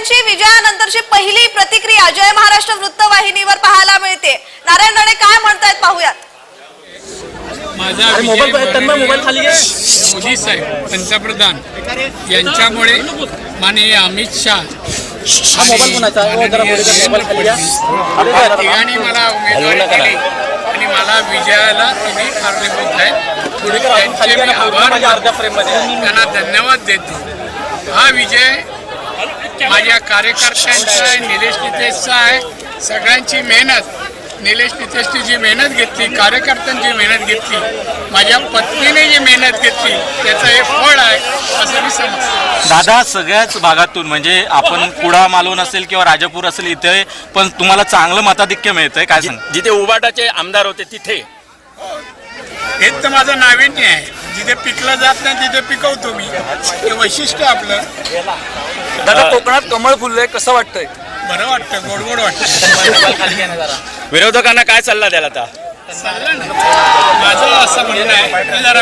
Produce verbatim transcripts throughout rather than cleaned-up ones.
दिवशी विजयानंतरची पहिली प्रतिक्रिया जय महाराष्ट्र वृत्तवाहिनीवर पाहायला मिळते। नारायण राणे काय म्हणतायत पाहूयात। माझा मोदी साहेब पंतप्रधान यांच्यामुळे माननीय अमित शाह तिघांनी मला उमेदवारी दिली आणि मला विजयाला तिने कारणीभूत आहेत। त्यांचे मी आभार त्यांना धन्यवाद देतो। हा विजय माझ्या कार्यकर्त्यांचा आहे, निलेश नितेशचा आहे। सगळ्यांची मेहनत, निलेश नितेशची जी मेहनत घेतली, कार्यकर्त्यांची मेहनत घेतली, माझ्या पत्नीने जी मेहनत घेतली, त्याचं हे फळ आहे असं मी समजतो। दादा, सगळ्याच भागातून म्हणजे आपण कुडा मालवण असेल किंवा राजापूर असेल इथे पण तुम्हाला चांगलं मताधिक्य मिळतंय, काय सांग? जिथे उबाटाचे आमदार होते तिथे हेच तर माझं नाविन्य आहे। जिथे पिकलं जात नाही तिथे पिकवतो मी, हे वैशिष्ट्य आपलं। दादा, कोकणात कमळ फुललंय, कसं वाटतंय? बरं वाटतं, गोड गोड वाटतं। विरोधकांना काय सल्ला द्याल आता? सल्ला नाही, माझं असं म्हणणं आहे, जरा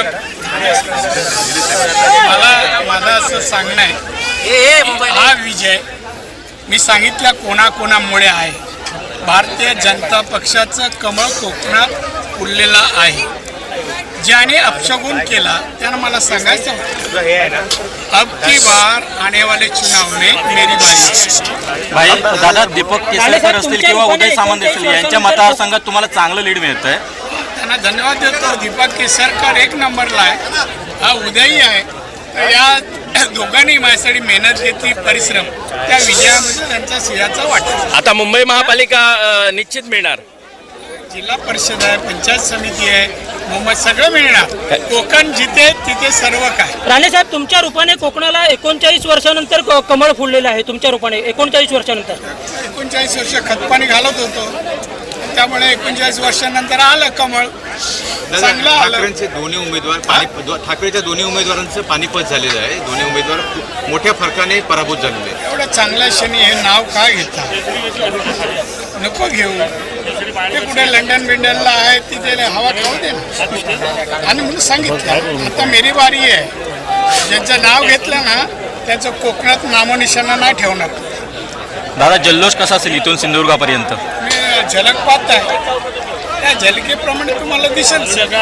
मला माझं असं सांगणं आहे, हा विजय मी सांगितल्या कोणाकोणामुळे आहे। भारतीय जनता पक्षाचं कमळ कोकणात फुललेलं आहे। ज्याने अपशगुन केला त्यानं मला सांगायचं होतं, अब की बार आने वाले चुनाव में मेरी बारी। भाई दादा, दीपक केसरकर असतील किंवा उदय सामंत असतील यांच्या मतदारसंघात तुम्हाला चांगलं लीड मिळतंय, त्यांना धन्यवाद देतो। दीपक केसरकर एक नंबरला आहे, हा उदयही आहे। तर या दोघांनी माझ्यासाठी मेहनत घेतली, परिश्रम, त्या विजयामध्ये त्यांचा सिंहाचा वाटा। आता मुंबई महापालिका अ, निश्चित मिळणार। जिल्हा परिषद आहे, पंचायत समिती आहे, मुंबई सगळं मिळणार। कोकण जिथे तिथे सर्व काय। राणे साहेब, तुमच्या रूपाने कोकणाला एकोणचाळीस वर्षानंतर कमळ फुललेलं आहे। तुमच्या रूपाने एकोणचाळीस वर्षानंतर एकोणचाळीस वर्ष खतपाणी घालत होतो, त्यामुळे एकोणचाळीस वर्षानंतर आलं कमळ, चांगलं आलं। ठाकरेंचे दोन्ही उमेदवार पाणी ठाकरेच्या दोन्ही उमेदवारांचं पानिपत झालेलं आहे। दोन्ही उमेदवार खूप मोठ्या फरकाने पराभूत झालेले आहेत। एवढं चांगल्या क्षणी हे नाव का घेता? नको घेऊ, ते कुठे लंडन बिंडनला आहे, तिथे हवा खाऊ दे ना। आणि म्हणून सांगितलं आता मेरी बारी आहे। ज्यांचं नाव घेतलं ना त्याचं कोकणात नामोनिशाणा नाही ठेवणार। दादा, जल्लोष कसा असेल इथून सिंधुदुर्गापर्यंत? मी झलक पाहत आहे, त्या झलकेप्रमाणे तुम्हाला दिसेल।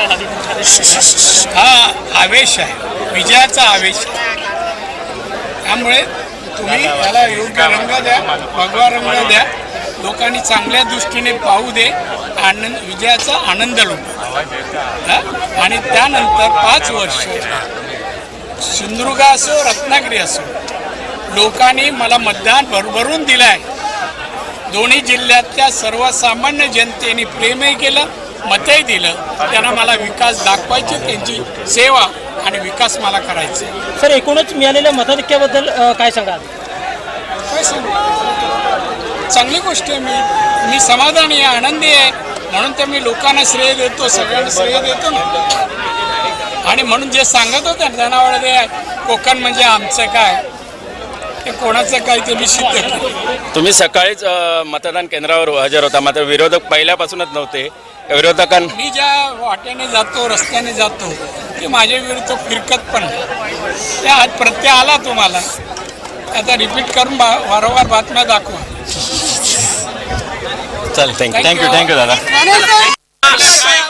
हा आवेश आहे, विजयाचा आवेश आहे। त्यामुळे तुम्ही याला योग्य रंग द्या, भगवा रंग द्या, लोकांनी चांगल्या दृष्टीने पाहू दे, आनंद विजयाचा आनंद लुटा। आणि त्यानंतर पाच वर्ष सिंधुदुर्ग असो रत्नागिरी असो, लोकांनी मला मतदान भरभरून दिलं आहे। दोन्ही जिल्ह्यातल्या सर्वसामान्य जनतेने प्रेमही केलं, मतही दिलं। त्यांना मला विकास दाखवायची, त्यांची सेवा आणि विकास मला करायचा आहे। सर, एकूणच मिळालेल्या मताधिक्याबद्दल अ, काय सांगाल? काय सांगू, चांगली गोष्ट आहे। मी मी समाधानी आहे, आनंदी आहे, म्हणून तर मी लोकांना श्रेय देतो, सगळ्यांना श्रेय देतो ना। आणि म्हणून जे सांगत होते जनावर ते कोकण म्हणजे आमचं काय, ते कोणाचं काय ते मी सिद्ध केलं। तुम्ही सकाळीच अ, मतदान केंद्रावर हजर होता, मात्र विरोधक पहिल्यापासूनच नव्हते। विरोधकां मी ज्या वाटेने जातो, रस्त्याने जातो, ते माझ्या विरुद्ध फिरकत पण त्या आज प्रत्यय आला तुम्हाला। आता रिपीट करून वारंवार बातम्या दाखवा। चल, थँक्यू थँक्यू थँक्यू दादा।